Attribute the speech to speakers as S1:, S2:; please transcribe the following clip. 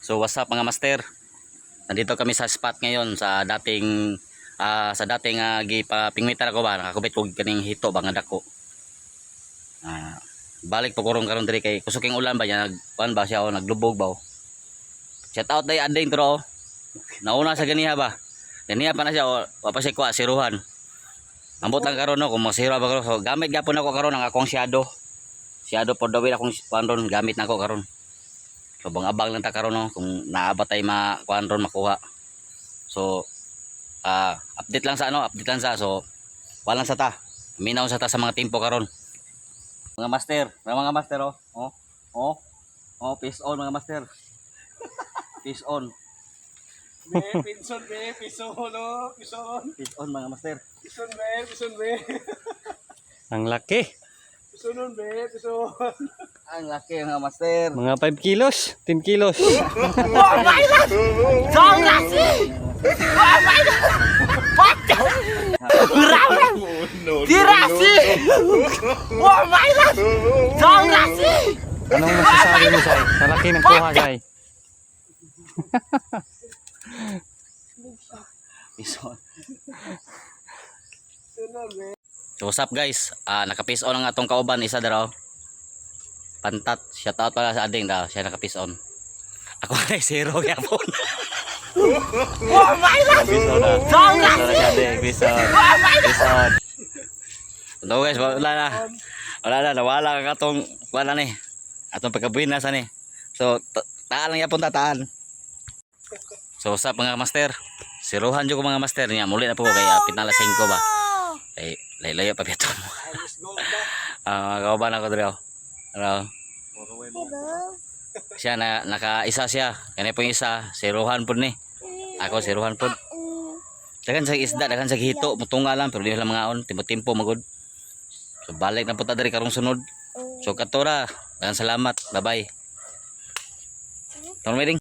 S1: So what's up mga master? Nandito kami sa spot ngayon sa dating gipapingwitan ako ba nakakubit kog kaning hito ba nga dako. Balik po kurong karon diri kay kusuking ulan ba nya nagkuan ba siya o naglubog ba. Shout out day ading tro. Nauna sa ganiha ba. Ganiha pa na siya o wa pa siya kuha siruhan. Ambot lang karon no kung masira ba karon. So gamit gyapon ako karon ang akong shadow. Shadow for the way akong kuan ron gamit nako karon. So abang lang ta karon no kung naabatay makuan ron makuha. So update lang sa so walang sa ta. Minaw sa ta sa mga tempo karon. Mga master peace on mga master. Peace on.
S2: Peace on
S1: Mga master.
S3: Ang laki.
S1: Ang laki mga master.
S3: Mga 5 kilos, 10 kilos.
S2: Oh my God! Song laki! Oh my God! What the? Tirasi! Oh my God! Song laki!
S3: Anong masasabi mo, Sai? Sa laki ng kuha, Sai.
S1: Peace on. So what's up guys? Naka-peace on ang atong kauban isa daraw. Pantat, shout out pala sa ading daw, siya naka-peace on. Ako ay zero gyapon.
S2: Oh my God! Song laki!
S1: Peace on. Peace on. So guys, wala na, nawala ang atong wala ni. Atong pagkabuhinas ani. So taan lang yapon tataan. So what's up mga master? Siruhan jud ko mga master niya. Muli na po kay pinala 5 ba. Ay layo pa bito mo. Kauban ako diri. Ano? Siya nakaisa siya. Kani po isa, siruhan pud ni. Ako siruhan pud. Dagan sa isda, dagan sa hito, mutunga lang pero di lang mga on, timpo-timpo magud. So balik na punta diri karong sunod. So katora, dagan salamat. Bye-bye. Tawon meeting.